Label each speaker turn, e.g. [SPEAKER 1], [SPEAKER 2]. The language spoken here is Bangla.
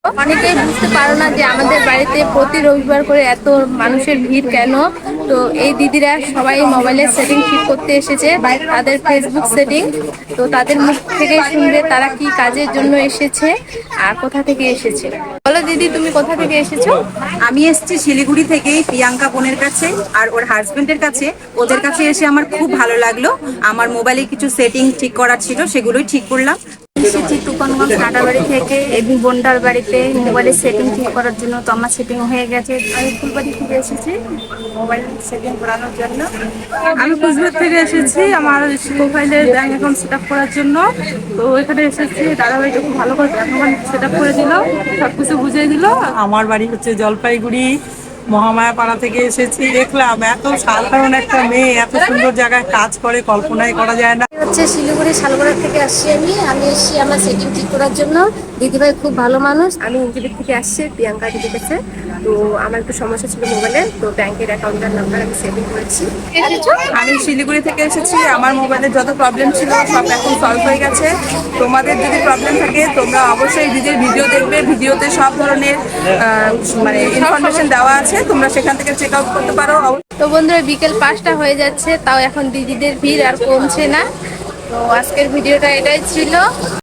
[SPEAKER 1] অনেকেই বুঝতে পারো না যে আমাদের বাড়িতে প্রতি রবিবার করে এত মানুষের ভিড় কেন। তো এই দিদিরা সবাই মোবাইলের সেটিং ঠিক করতে এসেছে, তাদের ফেসবুক সেটিং। তো তাদের মুখ থেকে শুনবে তারা কি কাজের জন্য এসেছে আর কোথা থেকে এসেছে। বলো দিদি, তুমি কোথা থেকে এসেছো?
[SPEAKER 2] আমি এসেছি শিলিগুড়ি থেকে প্রিয়াঙ্কা বোনের কাছে আর ওর হাজবেন্ডের কাছে। ওদের কাছে এসে আমার খুব ভালো লাগলো। আমার মোবাইলে কিছু সেটিং ঠিক করার ছিল, সেগুলোই ঠিক করলাম।
[SPEAKER 3] এসেছি তুফানগঞ্জ কাটাবাড়ি থেকে এবি বোনটার বাড়িতে মোবাইলের সেটিং ঠিক করার জন্য। তো আমার সেটিং হয়ে গেছে। আমি ফুলবাড়ি থেকে এসেছি মোবাইল সেটিং করানোর জন্য।
[SPEAKER 4] আমি কুচবিহার থেকে এসেছি আমার প্রোফাইলের ব্যাংক অ্যাকাউন্ট সেট আপ করার জন্য। তো এখানে এসেছি, দাদাভাইটা খুব ভালো করে ব্যাংক অ্যাকাউন্ট সেট আপ করে দিল, সব কিছু বুঝিয়ে দিল।
[SPEAKER 5] আমার বাড়ি হচ্ছে জলপাইগুড়ি মহামায়াপাড়া থেকে এসেছি। দেখলাম এত সাধারণ একটা মেয়ে এত সুন্দর জায়গায় কাজ করে, কল্পনাই করা যায় না।
[SPEAKER 3] হচ্ছে শিলিগুড়ি শালগড়া থেকে আসছি। আমি এসেছি আমার সেটিং ঠিক করার জন্য। দিদিভাই খুব ভালো মানুষ।
[SPEAKER 1] আমি ইউটিউব থেকে আসছি প্রিয়াঙ্কা দিদির কাছে। তো আমার একটু সমস্যা ছিল মোবাইলে, তো ব্যাংকের অ্যাকাউন্টের নাম্বার আমি সেভিং করেছি।
[SPEAKER 4] আমি শিলিগুড়ি থেকে এসেছি। আমার মোবাইলের যত প্রবলেম ছিল সব এখন সলভ হয়ে গেছে। তোমাদের যদি প্রবলেম থাকে তোমরা অবশ্যই দিদির ভিডিও দেখবে। ভিডিওতে সব ধরনের মানে ইনফরমেশন দেওয়া আছে, তোমরা সেখান থেকে চেক আউট করতে পারো।
[SPEAKER 1] তো বন্ধুরা, বিকেল 5টা হয়ে যাচ্ছে, তাও এখন দিদিদের ভিড় আর কমছে না। তো আজকের ভিডিওটা এটাই ছিল।